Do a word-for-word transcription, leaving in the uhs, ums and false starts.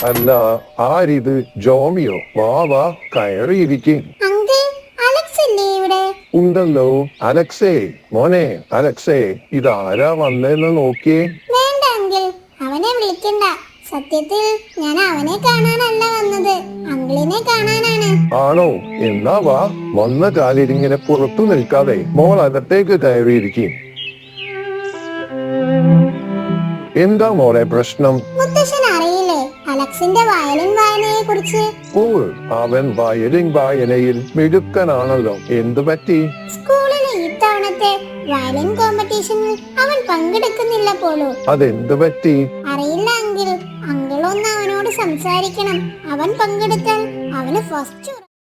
അല്ല, ആരിത്? ജോമിയോ? വാ വാ, കയറിയിരിക്കും. അങ്കിൾ, അലക്സ് ഇല്ലേ ഇവിടെ? ഉണ്ടല്ലോ. അലക്സേ, മോനെ അലക്സേ, ഇതാരാ വന്നേന്ന് നോക്കിയേ. വേണ്ട അങ്കിൾ, അവനെ വിളിക്കണ്ട. സത്യത്തിൽ ഞാൻ അവനെ കാണാനല്ല വന്നത്, അങ്കിളിനെ കാണാനാണ്. ആണോ? എന്നാ വാ. വന്ന കാലിരിങ്ങനെ പുറത്തു നിൽക്കാതെ മോൾ അകത്തേക്ക് കയറിയിരിക്കും. എന്താ മോളെ പ്രശ്നം? മുത്തശ്ശൻ അറിയില്ലേ അലക്സിന്റെ വയലിൻ വായനയെ കുറിച്ച്? ഓ, അവൻ വയലിൻ വായനയിൽ മിടുക്കനാണല്ലോ. എന്തു പറ്റി? സ്കൂളിലെ ഇത്തവണത്തെ വയലിൻ കോമ്പറ്റീഷനിൽ അവൻ പങ്കെടുക്കുന്നില്ല പോലൂ. അതെന്തു പറ്റി? അറിയില്ല അങ്കിൾ, അങ്കിൾ ഒന്ന് അവനോട് സംസാരിക്കണം. അവൻ പങ്കെടുത്താൽ അവന് ഫസ്റ്റ്